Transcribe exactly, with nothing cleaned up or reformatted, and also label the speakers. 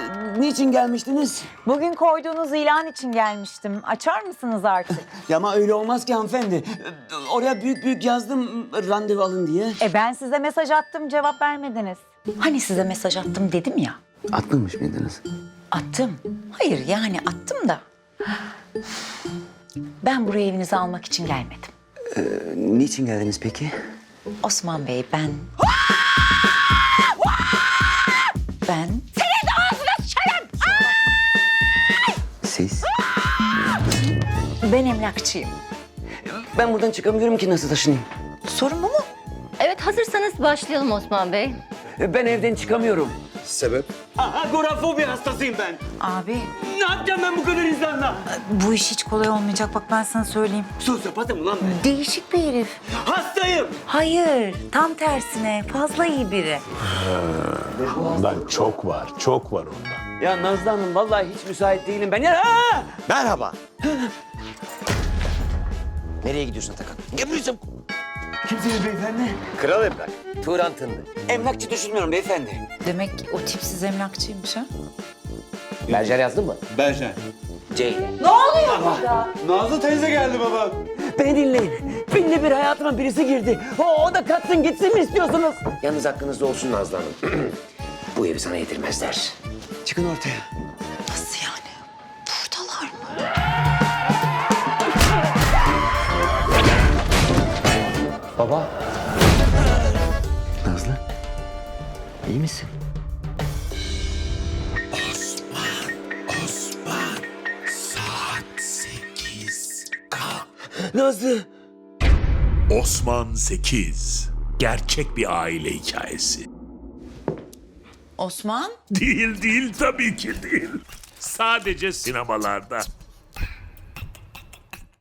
Speaker 1: Niçin gelmiştiniz?
Speaker 2: Bugün koyduğunuz ilan için gelmiştim. Açar mısınız artık?
Speaker 1: Ya ama öyle olmaz ki hanımefendi. Oraya büyük büyük yazdım randevu alın diye.
Speaker 2: E ben size mesaj attım, cevap vermediniz. Hani size mesaj attım dedim ya.
Speaker 1: Atmamış mıydınız?
Speaker 2: Attım. Hayır yani attım da. Ben buraya evinizi almak için gelmedim.
Speaker 1: Ee, niçin geldiniz peki?
Speaker 2: Osman Bey ben... ben...
Speaker 1: Siz?
Speaker 2: Ben emlakçıyım.
Speaker 1: Ben buradan çıkamıyorum ki, nasıl taşınayım?
Speaker 2: Sorun bu mu?
Speaker 3: Evet, hazırsanız başlayalım Osman Bey.
Speaker 1: Ben evden çıkamıyorum.
Speaker 4: Sebep?
Speaker 1: Agorafobi hastasıyım ben.
Speaker 2: Abi
Speaker 1: Ne yapacağım ben bu kadar insanla?
Speaker 2: bu iş hiç kolay olmayacak, bak ben sana söyleyeyim.
Speaker 1: Sosyopatım ulan ben.
Speaker 2: Değişik bir herif.
Speaker 1: Hastayım.
Speaker 2: Hayır, tam tersine fazla iyi biri.
Speaker 5: Ondan çok var, çok var ondan.
Speaker 1: Ya Nazlı Hanım, vallahi hiç müsait değilim ben. Ya! Aa!
Speaker 4: Merhaba. Nereye gidiyorsun Atakan? Gelmiyorsun.
Speaker 1: Kimsiniz beyefendi?
Speaker 4: Kral Emlak. Turan Tındı.
Speaker 1: Emlakçı düşünmüyorum beyefendi.
Speaker 2: Demek o tipsiz emlakçıymış ha?
Speaker 4: Berjer yazdın mı?
Speaker 6: Berşen.
Speaker 1: Ceylin.
Speaker 6: Nazlı teyze geldi baba.
Speaker 1: Beni dinleyin. Binde bir hayatıma birisi girdi. O, o da katsın gitsin mi istiyorsunuz?
Speaker 4: Yalnız aklınızda olsun Nazlı Hanım. Bu evi sana yedirmezler.
Speaker 1: Çıkın ortaya.
Speaker 2: Nasıl yani? Buradalar mı?
Speaker 1: Baba. Nazlı. İyi misin? Nazlı.
Speaker 5: Osman sekiz. Gerçek bir aile hikayesi.
Speaker 2: Osman?
Speaker 5: Değil değil tabii ki değil. Sadece sinemalarda.